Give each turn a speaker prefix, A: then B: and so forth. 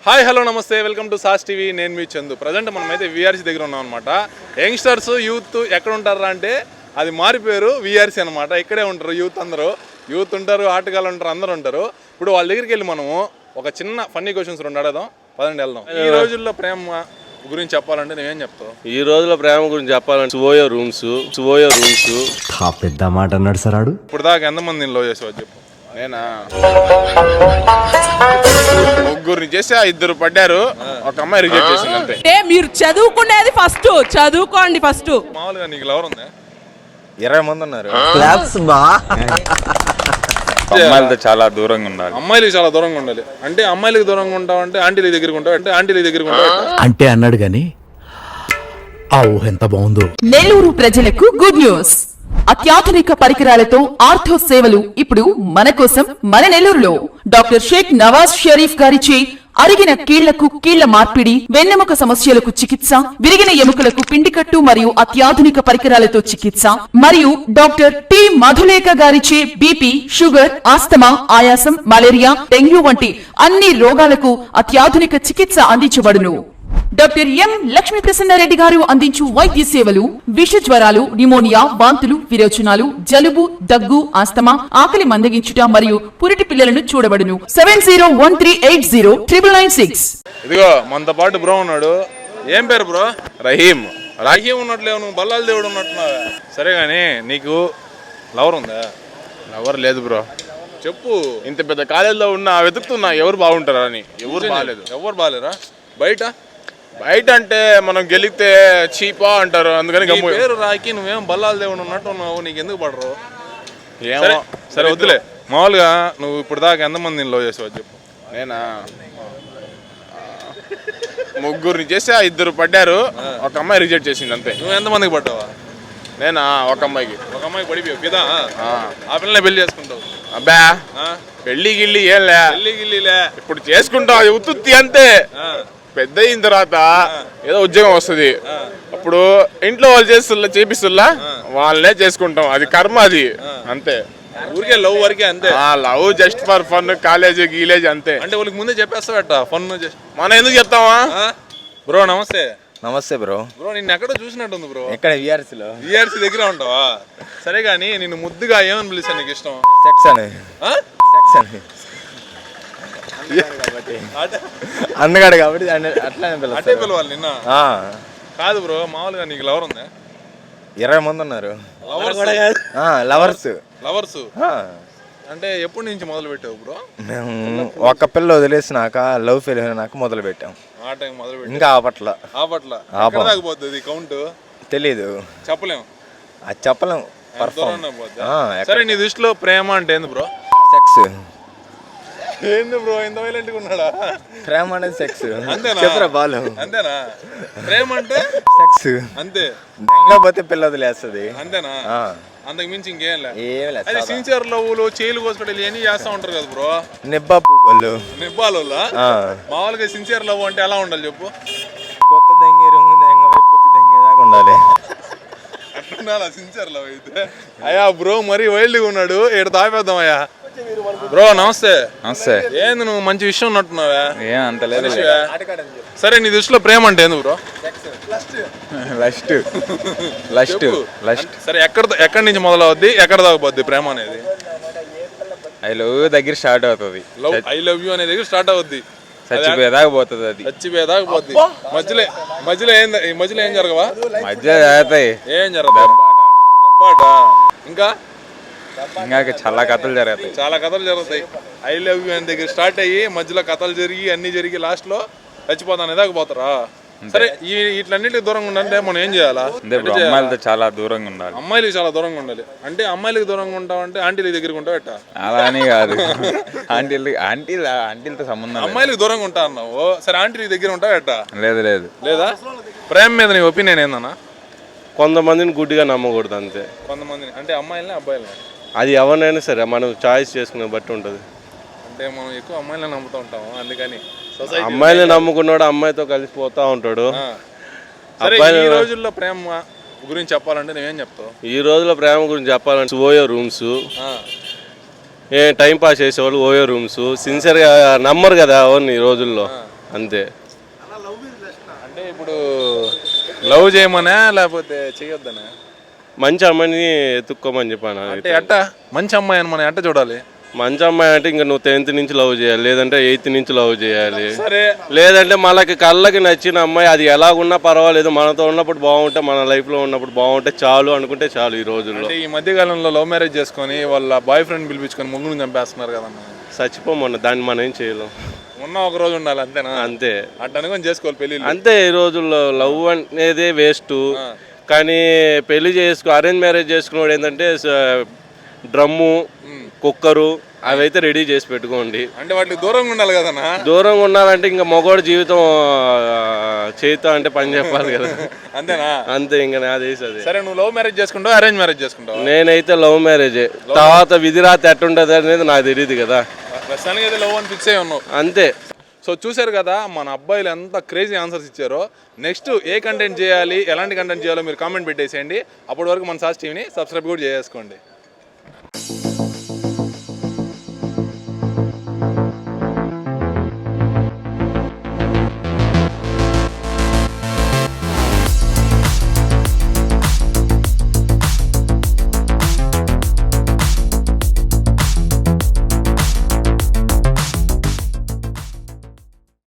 A: Hi hello namaste welcome to SAS TV. నేను మీ Chandu. Present మనమైతే వీఆర్సీ దగ్గర ఉన్నాం అనమాట. యంగ్స్టర్స్ యూత్ ఎక్కడ ఉంటారా అంటే అది మారిపోయారు వీఆర్సీ అనమాట. ఇక్కడే ఉంటారు యూత్, అందరూ యూత్ ఉంటారు, ఆటగాళ్ళు ఉంటారు, అందరూ ఉంటారు. ఇప్పుడు వాళ్ళ దగ్గరికి వెళ్ళి మనము ఒక చిన్న ఫన్నీ క్వశ్చన్స్ రెండు అడగదాం. పదండి వెళ్దాం. ఈ రోజుల్లో ప్రేమ గురించి చెప్పాలంటే నేనేం చెప్తావు?
B: ఈ రోజుల ప్రేమ గురించి చెప్పాలంటే సువోయో రూమ్స్
C: పెద్ద మాట అన్నాడు సార్.
A: ఇప్పుడు దాకా ఎంతమందిని లవ్ చేసావు చెప్పు.
D: నేనా ముగ్గురిని చేస్తే ఇద్దరు పడ్డారు, ఒక అమ్మాయి రిజెక్ట్ చేసింది అంతే.
E: అంటే మీరు చదువుకునేది ఫస్ట్ చదువుకోండి. ఫస్ట్
A: మామూలుగా నీకు లవర్ ఉందా?
D: 20 మంది ఉన్నారు.
F: అమ్మాయిలతో చాలా దూరంగా ఉండాలి.
A: అమ్మాయిలకి చాలా దూరంగా ఉండాలి. అంటే అమ్మాయిలకి దూరంగా ఉంటావు అంటే ఆంటీల దగ్గరికి ఉంటావు అంటే ఆంటీల దగ్గరికి ఉంటావు
C: అంటే అన్నాడు గాని ఆ ఊహ ఎంత బాగుందో.
G: నెల్లూరు ప్రజలకు గుడ్ న్యూస్. అత్యాధునిక పరికరాలతో ఆర్థో సేవలు ఇప్పుడు మన కోసం మన నెల్లూరులో. డాక్టర్ షేక్ నవాజ్ షరీఫ్ గారిచే అరిగిన కీళ్లకు కీళ్ల మార్పిడి, వెన్నెముక సమస్యలకు చికిత్స, విరిగిన ఎముకలకు పిండికట్టు మరియు అత్యాధునిక పరికరాలతో చికిత్స, మరియు డాక్టర్ టి మధులేఖ గారిచే బీపీ, షుగర్, ఆస్తమా, ఆయాసం, మలేరియా, డెంగ్యూ వంటి అన్ని రోగాలకు అత్యాధునిక చికిత్స అందించబడును. డాక్టర్ ఎం లక్ష్మీ ప్రసన్నారెడ్డి గారు అందించు వైద్య సేవలు విష జ్వరాలు, న్యూమోనియా, వాంతులు, విరోచనాలు, జలుబు, దగ్గు, ఆస్తమా, ఆకలి మందగించుట మరియు పురిటి పిల్లలను చూడబడును. 7013809996.
A: ఇదిగో మనతో పాటు బ్రో ఉన్నాడు. ఏం పేరు బ్రో? రహీం ఉన్నట్లేవు, నువ్వు బల్లాల దేవుడు ఉన్నట్టున్నావా? సరే గానీ నీకు లవర్ ఉందా?
D: ఎవరు లేదు బ్రో.
A: చెప్పు.
D: ఇంత పెద్ద కాలేజీలో ఉన్నా వెతుకుతున్నా ఎవరు బాగుంటారా అని. ఎవరు బాగాలేదు.
A: ఎవరు బాగాలేరా? బయట
D: అంటే మనం గెలిగితే చీపా అంటారు, అందుకని
A: నీ పేరు రాకి నువ్వేం బల్లాల దేవుడు ఉన్నట్టు ఉన్నావు, నీకు ఎందుకు పడరు?
D: ఏమో.
A: సరే వద్దులే. మామూలుగా నువ్వు ఇప్పుడు దాకా ఎంతమందిని లవ్ చేసావు చెప్పు.
D: నేనా ముగ్గురిని చేస్తే ఇద్దరు పడ్డారు, ఒక అమ్మాయి రిజెక్ట్ చేసింది అంతే.
A: నువ్వు ఎంతమందికి పడ్డావా?
D: నేనా ఒక అమ్మాయికి
A: పడిపోయావు కదా. ఆ పిల్లనే పెళ్లి చేసుకుంటావు?
D: అబ్బా పెళ్లి గిల్లి ఏంలే,
A: గిల్లిలే
D: ఇప్పుడు చేసుకుంటావు, అది ఉత్తుత్తి అంతే. పెద్ద అయిన తర్వాత ఏదో ఉద్యోగం వస్తుంది, అప్పుడు ఇంట్లో వాళ్ళు చేపిస్తుల్లా వాళ్ళనే చేసుకుంటాం, అది కర్మ, అది అంతే.
A: ఊరికే లవ్ వరకే అంతే.
D: Love just for fun, college గీలేజ్ అంతే.
A: అంటే వాళ్ళకి ముందే చెప్పేస్తావట ఫన్.
D: మనం ఎందుకు చెప్తావా?
A: బ్రో నమస్తే.
F: నమస్తే బ్రో.
A: బ్రో నిన్ను ఎక్కడో చూసినట్టుంది బ్రో.
F: ఎక్కడ? విఆర్సీలో.
A: విఆర్సీ దగ్గర ఉంటావా? సరే గానీ నిన్ను ముద్దుగా ఏమని పిలుస్తాను నీకు ఇష్టం?
F: సెక్స్ అని. అందగాడు కాబట్టి అట్లానే
A: అట్టే పిలవాలి నిన్న. కాదు బ్రో, మామూలుగా నీకు లవర్ ఉందా?
F: 20 మంది ఉన్నారు.
A: లవర్స్ అంటే ఎప్పటి నుంచి మొదలు పెట్టావు బ్రో?
F: మేము ఒక పిల్ల వదిలేసినాక లవ్ ఫెయిల్ అయినాక మొదలు పెట్టాం.
A: ఆ టైం మొదలు పెట్టి
F: ఇంకా ఆపట్ల
A: పోతుంది కౌంట్
F: తెలీదు,
A: చెప్పలేము.
F: అది చెప్పలేం.
A: సరే నీ దృష్టిలో ప్రేమ అంటే ఏంది బ్రో?
F: సెక్స్.
A: ఏంది బ్రో ఇంత వైలెంట్ గా ఉన్నాడా?
F: ప్రేమ అనేది సెక్స్.
A: అంతేనా?
F: చెప్పరా బాలు?
A: అంతేనా? ప్రేమ అంటే
F: సెక్స్
A: అంతే.
F: లేకపోతే పిల్ల వదిలేస్తుంది
A: అంతేనా? అంతకు మించి ఇంకేం లేదు.
F: అది
A: సిన్సియర్ లవ్లు, చేలు కోసుకుంటే ఇవన్నీ చేస్తా ఉంటారు కదా బ్రో.
F: నిబ్బాలు
A: మామూలుగా సిన్సియర్ లవ్ అంటే ఎలా ఉండాలి చెప్పు?
F: కొత్త దెంగి రంగు పొత్తి దెంగి దాకా ఉండాలి.
A: అట్లా సిన్సియర్ లవ్ అయితే. అయ్యా బ్రో మరీ వైల్డ్ గా ఉన్నాడు, ఏడు తాపేద్దాం. అయ్యా బ్రో నమస్తే.
F: నమస్తే.
A: ఏంది నువ్వు మంచి విషయం ఉన్నట్టున్నావా?
F: ఏం అంత లేదు.
A: సరే నీ దృష్టిలో ప్రేమ అంటే ఏంది బ్రో?
F: లస్ట్.
A: సరే ఎక్కడి నుంచి మొదలవుద్ది, ఎక్కడ దాకా పోద్ది ప్రేమ అనేది?
F: ఐ లవ్ దగ్గర స్టార్ట్ అవుతుంది.
A: ఐ లవ్ యూ అనే దగ్గర స్టార్ట్ అవుద్ది,
F: చచ్చిపోయేదాకా పోతుంది. అది
A: చచ్చిపోయేదాకా పోద్ది. మధ్యలో ఏం జరగవా?
F: మధ్య జరుగుతాయి.
A: ఏం జరగదు? దెబ్బాట. ఇంకా
F: చాలా కథలు జరుగుతాయి.
A: ఐ లవ్ యూ అనే దగ్గర స్టార్ట్ అయ్యి మధ్యలో కథలు జరిగి అన్ని జరిగి లాస్ట్ లో చచ్చిపోతాను దాకా పోతారా? సరే వీటిలన్నిటికి దూరంగా ఉండాలంటే మనం ఏం చేయాలా?
F: అమ్మాయిలతో చాలా దూరంగా ఉండాలి.
A: అమ్మాయిలకి చాలా దూరంగా ఉండాలి. అంటే అమ్మాయిలకి దూరంగా ఉంటావు అంటే ఆంటీల దగ్గరికి ఉంటావు ఎట్టా?
F: అలా అని కాదు, ఆంటీలతో సంబంధం.
A: అమ్మాయిలకి దూరంగా ఉంటా అన్నావు, సరే ఆంటీల దగ్గర ఉంటావు ఎట్టా?
F: లేదా?
A: ప్రేమ మీద నీ ఒపీనియన్ ఏందన్నా?
B: కొంతమందిని గుడ్డిగా నమ్మకూడదు అంతే.
A: కొంతమందిని అంటే అమ్మాయిలని అబ్బాయిలని?
B: అది ఎవరినైనా సరే మనం చాయిస్ చేసుకునే బట్టి ఉంటుంది.
A: అంటే మనం ఎక్కువ అమ్మాయిలని నమ్ముతూ ఉంటాము, అందుకని
B: అమ్మాయిని నమ్ముకున్నాడు అమ్మాయితో కలిసిపోతా ఉంటాడు.
A: ఈ రోజుల్లో ప్రేమ గురించి చెప్పాలంటే నువ్వేం చెప్తావు?
B: ఈ రోజుల ప్రేమ గురించి చెప్పాలంటే సువోయో రూమ్స్, టైం పాస్ చేసేవాళ్ళు ఓయో రూమ్స్, సిన్సియర్గా నమ్మరు కదా ఎవరిని ఈ రోజుల్లో. అంతే.
A: అంటే ఇప్పుడు లవ్ చేయమనే లేకపోతే చేయొద్దనే?
B: మంచి అమ్మాయిని ఎత్తుక్కోమని చెప్పాను.
A: అంటే అట్ట మంచి అమ్మాయి అని మనం ఎట్ట చూడాలి?
B: మంచి అమ్మాయి అంటే ఇంకా నువ్వు 10th నుంచి లవ్ చేయాలి, లేదంటే 8th నుంచి లవ్ చేయాలి,
A: సరే
B: లేదంటే మనకి కళ్ళకి నచ్చిన అమ్మాయి అది ఎలాగున్నా పర్వాలేదు, మనతో ఉన్నప్పుడు బాగుంటే, మన లైఫ్లో ఉన్నప్పుడు బాగుంటే చాలు అనుకుంటే చాలు ఈ రోజుల్లో.
A: అంటే ఈ మధ్యకాలంలో లవ్ మ్యారేజ్ చేసుకొని వాళ్ళ బాయ్ ఫ్రెండ్ పిలిపించుకొని ముగ్గురు చంపేస్తున్నారు కదమ్మా.
B: చచ్చిపోమన్న దాన్ని మనం ఏం చేయలేం.
A: ఉన్న ఒక రోజు ఉండాలి అంతేనా?
B: అంతే.
A: అట్ట అనుకొని చేసుకోవాలి పెళ్ళి.
B: అంతే. ఈ రోజుల్లో లవ్ అనేది వేస్ట్. కానీ పెళ్లి అరేంజ్ మ్యారేజ్ చేసుకున్నాడు ఏంటంటే డ్రమ్ము, కుక్కరు అవైతే రెడీ చేసి పెట్టుకోండి.
A: అంటే వాటికి దూరంగా ఉండాలి కదన్నా.
B: దూరంగా ఉండాలంటే ఇంకా మగవాడి జీవితం చేయితో అంటే పని చెప్పాలి కదా.
A: అంతేనా?
B: అంతే. ఇంకా నాది అదే.
A: సరే, నువ్వు లవ్ మ్యారేజ్ చేసుకుంటావు అరేంజ్ మ్యారేజ్ చేసుకుంటావు?
B: నేనైతే లవ్ మ్యారేజే. తర్వాత విధిరాత ఎట్టుంటది అనేది నాకు తెలియదు కదా.
A: ప్రస్తుతానికి అయితే లవ్ అని ఫిక్స్ అయ్యి ఉన్నావు.
B: అంతే.
A: సో చూశారు కదా మన అబ్బాయిలు ఎంత క్రేజీ ఆన్సర్స్ ఇచ్చారో. నెక్స్ట్ ఏ కంటెంట్ చేయాలి, ఎలాంటి కంటెంట్ చేయాలో మీరు కామెంట్ పెట్టేసేయండి. అప్పటి వరకు మన సాస్ టీవీని సబ్స్క్రైబ్ కూడా చేసుకోండి.